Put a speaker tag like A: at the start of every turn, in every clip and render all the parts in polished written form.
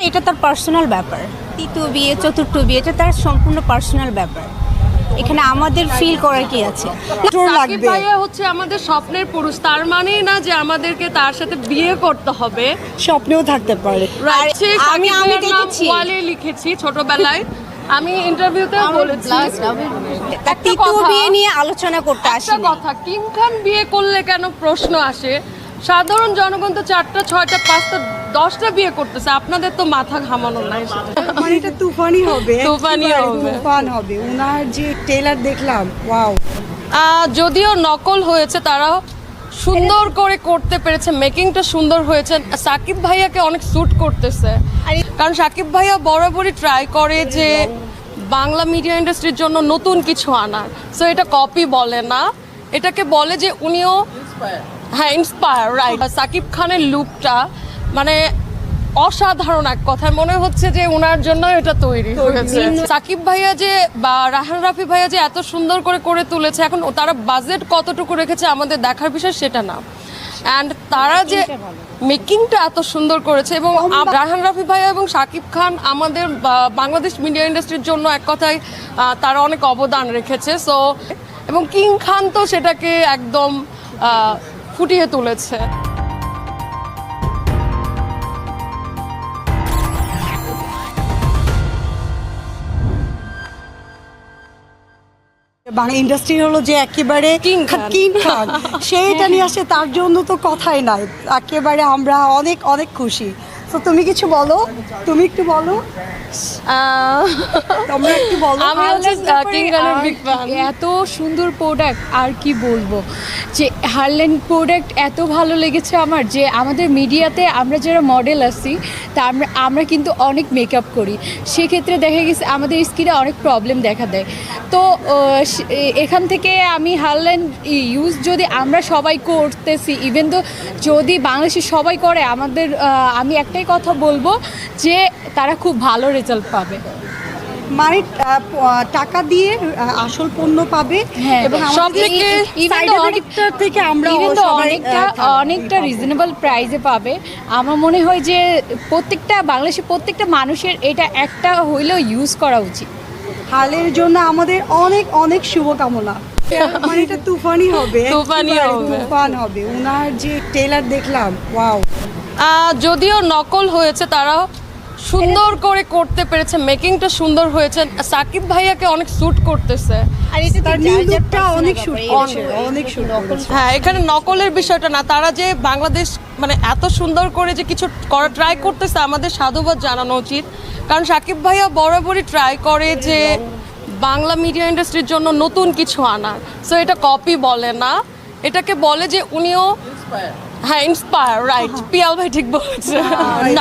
A: এটা তার পার্সোনাল ব্যাপার। তৃতীয় বিয়ে, চতুর্থ বিয়ে, এটা তার সম্পূর্ণ পার্সোনাল ব্যাপার। এখানে আমাদের ফিল করার কি আছে?
B: সাকিব ভাইয়া হচ্ছে আমাদের স্বপ্নের পুরুষ, তার মানেই না যে আমাদেরকে তার সাথে বিয়ে করতে হবে।
C: স্বপ্নেও থাকতে পারে।
A: আমি দেখেছি,
B: ওয়ালে লিখেছি ছোটবেলায়, আমি ইন্টারভিউতে বলেছি।
A: তৃতীয় বিয়ে নিয়ে আলোচনা করতে আসি।
B: একটা কথা, কিং খান বিয়ে করলে কেন প্রশ্ন আসে? সাধারণ জনগণ তো 4টা 6টা 5টা 10টা বিয়ে করতেছে, আপনাদের তো মাথা ঘামানোর নাই সেটা।
C: মানে এটা তুফানি হবে,
B: তুফানি হবে।
C: তুফান হবে। উনার যে ট্রেলার দেখলাম, ওয়াও।
B: যদিও নকল হয়েছে, তারা সুন্দর করে করতে পেরেছে, মেকিংটা সুন্দর হয়েছে। সাকিব ভাইয়াকে অনেক স্যুট করতেছে, কারণ সাকিব ভাইয়া বরাবরই ট্রাই করে যে বাংলা মিডিয়া ইন্ডাস্ট্রির জন্য নতুন কিছু আনার। সো এটা কপি বলে না, এটাকে বলে যে উনিও হ্যাঁ ইন্সপায়ার, রাইট। সাকিব খানের লুকটা মানে অসাধারণ, এক কথায় মনে হচ্ছে যে ওনার জন্য এটা তৈরি হয়েছে। সাকিব ভাইয়া যে বা রাহান রাফি ভাইয়া যে এত সুন্দর করে করে তুলেছে, এখন তারা বাজেট কতটুকু রেখেছে আমাদের দেখার বিষয় সেটা না, অ্যান্ড তারা যে মেকিংটা এত সুন্দর করেছে। এবং রাহান রাফি ভাইয়া এবং সাকিব খান আমাদের বাংলাদেশ মিডিয়া ইন্ডাস্ট্রির জন্য এক কথায় তারা অনেক অবদান রেখেছে। সো এবং কিং খান তো সেটাকে একদম ফুটিয়ে তুলেছে।
C: বাংলা ইন্ডাস্ট্রি হলো যে একেবারে
B: কিং খান
C: সেইটা নিয়ে আসে, তার জন্য তো কথাই নাই। একেবারে আমরা অনেক অনেক খুশি। তো তুমি কিছু বলো, তুমি একটু বলো, তোমরা একটু বলো।
B: আমি হচ্ছে কিং খানের বিগ ফ্যান।
D: এত সুন্দর প্রোডাক্ট, আর কি বলবো, যে হারল্যান্ড প্রোডাক্ট এত ভালো লেগেছে আমার। যে আমাদের মিডিয়াতে আমরা যারা মডেল আছি, তা আমরা কিন্তু অনেক মেকআপ করি, সেক্ষেত্রে দেখা গেছে আমাদের স্কিনে অনেক প্রবলেম দেখা দেয়। তো এখান থেকে আমি হারল্যান্ড ইউজ যদি আমরা সবাই করতেছি, ইভেন তো যদি বাংলাদেশে সবাই করে, আমাদের আমি একটাই কথা বলবো যে তারা খুব ভালো রেজাল্ট পাবে।
C: মানে টাকা দিয়ে আসল পণ্য পাবে, এবং থেকে আমরা
D: অনেকটা রিজনেবল প্রাইসে পাবে। আমার মনে হয় যে বাংলাদেশের প্রত্যেকটা মানুষের এটা একটা হইলেও ইউজ করা উচিত।
C: হালের জন্য আমাদের অনেক অনেক শুভকামনা। মানে এটা তুফানি হবে, তুফান হবে। উনার যে ট্রেলার দেখলাম, ওয়াও।
B: যদিও নকল হয়েছে, তারা সুন্দর করে করতে পেরেছে, মেকিংটা সুন্দর হয়েছে। সাকিব ভাইয়াকে অনেক স্যুট করতেছে, হ্যাঁ এখানে নকলের বিষয়টা না, তারা যে বাংলাদেশ মানে এত সুন্দর করে যে কিছু করা ট্রাই করতেছে, আমাদের সাধুবাদ জানানো উচিত। কারণ সাকিব ভাইয়া বরাবরই ট্রাই করে যে বাংলা মিডিয়া ইন্ডাস্ট্রির জন্য নতুন কিছু আনার। সো এটা কপি বলে না, এটাকে বলে যে উনিও হ্যাঁ ইন্সপায়ার, রাইট। পিয়াল ভাই ঠিক বলেছে। না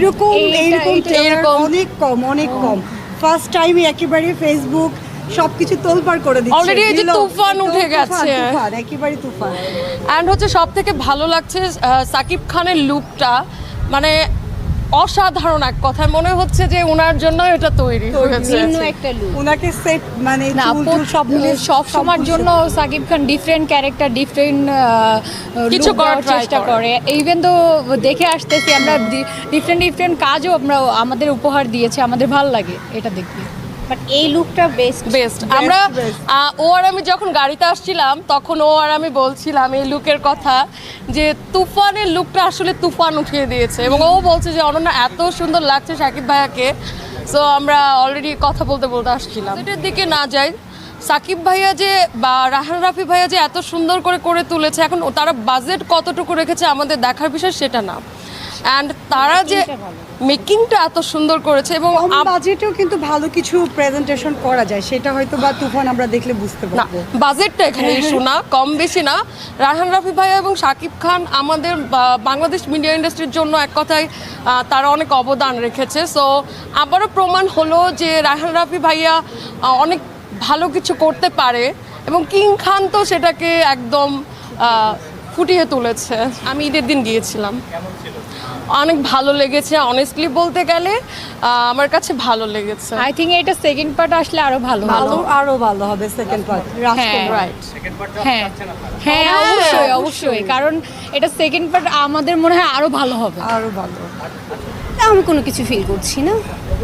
C: এইরকম অনেক কম ফার্স্ট টাইম একেবারে ফেসবুক সবকিছু তোলপাড় করে দিচ্ছে।
B: অলরেডি এই যে তুফান উঠে গেছে,
C: একেবারে তুফান।
B: অ্যান্ড হচ্ছে সব থেকে ভালো লাগছে সাকিব খানের লুকটা, মানে অসাধারণ, এক কথায় মনে হচ্ছে যে ওনার জন্য এটা তৈরি হয়েছে।
C: ওনাকে সেট মানে
D: সব সময়ের জন্য Shakib Khan different character, different কিছু করার চেষ্টা করে। ইভেন তো দেখে আসতেছি আমরা ডিফারেন্ট কাজও আমাদের উপহার দিয়েছে, আমাদের ভালো লাগে এটা দেখতে।
A: বাট এই লুকটা বেস্ট।
B: আমরা ও আর আমি যখন গাড়িতে আসছিলাম, তখন ও আর আমি বলছিলাম এই লুকের কথা, যে তুফানের লুকটা আসলে তুফান উঠিয়ে দিয়েছে। এবং ও বলছে যে অনন্যা এত সুন্দর লাগছে সাকিব ভাইয়াকে। সো আমরা অলরেডি কথা বলতে বলতে আসছিলাম। এটার দিকে না যাই, সাকিব ভাইয়া যে বা রাহান রাফি ভাইয়া যে এত সুন্দর করে করে তুলেছে, এখন তারা বাজেট কতটুকু রেখেছে আমাদের দেখার বিষয় সেটা না, অ্যান্ড তারা যে মেকিংটা এত সুন্দর করেছে। এবং
C: বাজেটেও কিন্তু ভালো কিছু প্রেজেন্টেশন করা যায়, সেটা হয়তো বা তুফান আমরা দেখলে বুঝতে পারবো।
B: বাজেটটা এখানে ইস্যু না, কম বেশি না। রাহান রাফি ভাইয়া এবং সাকিব খান আমাদের বাংলাদেশ মিডিয়া ইন্ডাস্ট্রির জন্য এক কথায় তারা অনেক অবদান রেখেছে। সো আবারও প্রমাণ হলো যে রাহান রাফি ভাইয়া অনেক ভালো কিছু করতে পারে, এবং কিং খান তো সেটাকে একদম ফুটিয়ে তুলেছে। আমি ঈদের দিন গিয়েছিলাম, অনেক ভালো লেগেছে। অনেস্টলি বলতে গেলে আমার কাছে ভালো লেগেছে।
D: আই থিঙ্ক এটা সেকেন্ড পার্ট আসলে আরো ভালো
C: হবে সেকেন্ড পার্ট।
B: রাইট,
D: হ্যাঁ অবশ্যই, কারণ এটা সেকেন্ড পার্ট আমাদের মনে হয় আরো ভালো হবে।
A: আমি কোনো কিছু ফিল করছি না।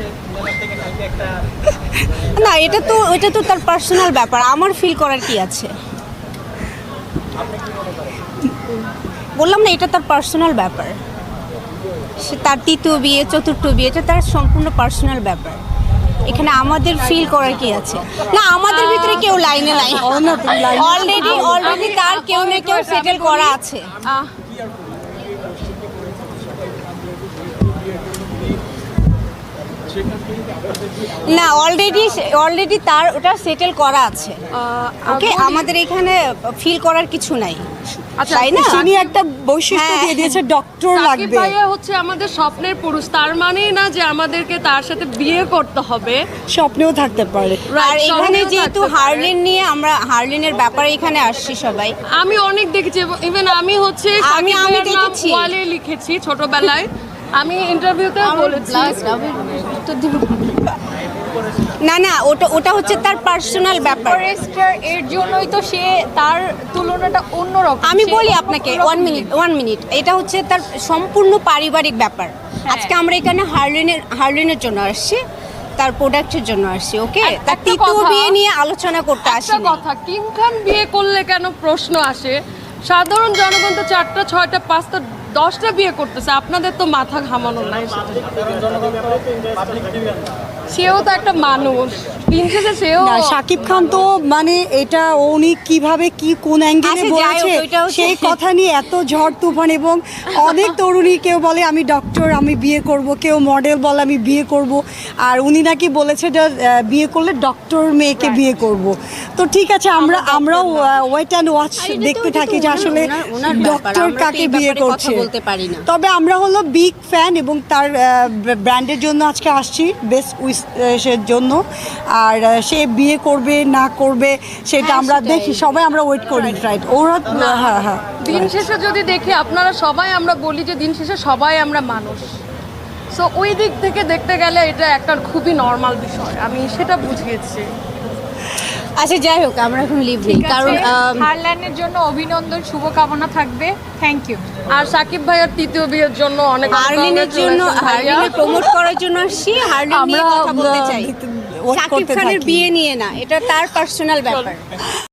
A: না, এটা তো তার পার্সোনাল ব্যাপার, আমার ফিল করার কি আছে? বললাম না, এটা তার পার্সোনাল ব্যাপার। সে তার তৃতীয় বিয়ে, চতুর্থ বিয়ে, এটা তার সম্পূর্ণ পার্সোনাল ব্যাপার। এখানে আমাদের ফিল করার কি আছে? না, আমাদের ভিতরে কেউ লাইনে নাই, অলরেডি তার কেউ না কেউ সেটেল করা আছে। না, অলরেডি তার ওটা সেটেল করা আছে। ওকে, আমাদের এখানে ফিল করার কিছু নাই,
B: আচ্ছা,
A: তাই না?
C: তিনি একটা বৈশিষ্ট্য
A: হ্যাঁ।
C: দিয়ে দিয়েছে, ডক্টর
B: সাকিব
C: লাগবে।
B: ভাইয়া হচ্ছে আমাদের স্বপ্নের পুরুষ, তার মানেই না যে আমাদেরকে তার সাথে বিয়ে করতে হবে।
C: স্বপ্নেও থাকতে পারে।
A: আর এখানে
B: স্বপ্নেও
A: যেহেতু
B: থাকতে পারে।
A: হার্লেন নিয়ে আমরা হার্লেনের ব্যাপারে এখানে আসছি সবাই।
B: আমি অনেক দেখেছি, ইভেন আমি হচ্ছে
A: আমি
B: সাকিব ভাইয়ার নাম
A: দেখেছি।
B: ওয়ালে লিখেছি ছোটবেলায়, আমি ইন্টারভিউতে বলেছি।
A: না, ওটা হচ্ছে তার পার্সোনাল ব্যাপার।
D: ফরেস্টার এর জন্যই তো সে তার তুলনাটা অন্যরকম।
A: আমি
D: সে
A: বলি আপনাকে, ওয়ান মিনিট, এটা হচ্ছে তার সম্পূর্ণ পারিবারিক ব্যাপার। আজকে আমরা এখানে হার্লেনের জন্য আসছি, তার প্রোডাক্টের জন্য আসছি। ওকে, তার
B: একটা
A: তৃতীয়
B: কথা-
A: বিয়ে নিয়ে আলোচনা করতে
B: একটা
A: আসি।
B: কথা, কিম খান বিয়ে করলে কেন প্রশ্ন আসে? সাধারণ জনগণ তো 4টা 6টা 5টা 10টা বিয়ে করতেছে, আপনাদের তো মাথা ঘামানোর নাই সেটা। সেও তো একটা মানুষ, দিন শেষে সেও।
C: না, শাকিব খান তো মানে এটা উনি কিভাবে কি কোন অ্যাঙ্গেলে
A: আচ্ছা, যাই হোক,
C: বলেছে
A: ওইটা হচ্ছে-
C: সেই কথা নিয়ে এত ঝড় তুফান, এবং অনেক তরুণী কেউ বলে আমি ডক্টর, আমি বিয়ে করব, কেউ মডেল বলে আমি বিয়ে করব, আর উনি নাকি বলেছে যে বিয়ে করলে ডক্টর মেয়েকে বিয়ে করব। তো ঠিক আছে, আমরাও ওয়েট অ্যান্ড ওয়াচ দেখতে থাকি যে আসলে
A: ওনার ব্যাপার,
C: ডক্টর
A: আমরা তো
C: কাকে
A: এই
C: বিয়ে
A: ব্যাপারে কথা
C: করছে।
A: বলতে পারি না।
C: তবে আমরা হলো বিগ ফ্যান, এবং তার ব্র্যান্ডের জন্য আজকে আসছি, বেস্ট উইশের জন্য। আর সে বিয়ে করবে না করবে সেটা আমরা দেখি, সবাই আমরা ওয়েট করি। রাইট, ওরা হ্যাঁ
B: দিন শেষে যদি দেখি, আপনারা সবাই, আমরা বলি যে দিন শেষে সবাই আমরা মানুষ। সো ওই দিক থেকে দেখতে গেলে এটা একটা খুবই নর্মাল বিষয়, আমি সেটা বুঝিয়েছি।
A: আচ্ছা, যাই হোক, আমরা এখন লিভ নিই, কারণ
D: হারল্যান্ডের জন্য অভিনন্দন, শুভকামনা থাকবে। Thank you.
B: আর সাকিব ভাইয়ার তৃতীয় বিয়ের জন্য অনেক
A: হার্লেনের জন্য,
B: congratulations ভাইয়া।
A: হার্লেনের প্রমোট করার জন্য আসছি, হার্লেন নিয়ে
C: আমরা
A: কথা বলতে চাই।
C: ওয়েট
A: সাকিব
C: করতে
A: খানের
C: থাকি।
A: বিয়ে নিয়ে না, এটা তার পার্সোনাল ব্যাপার।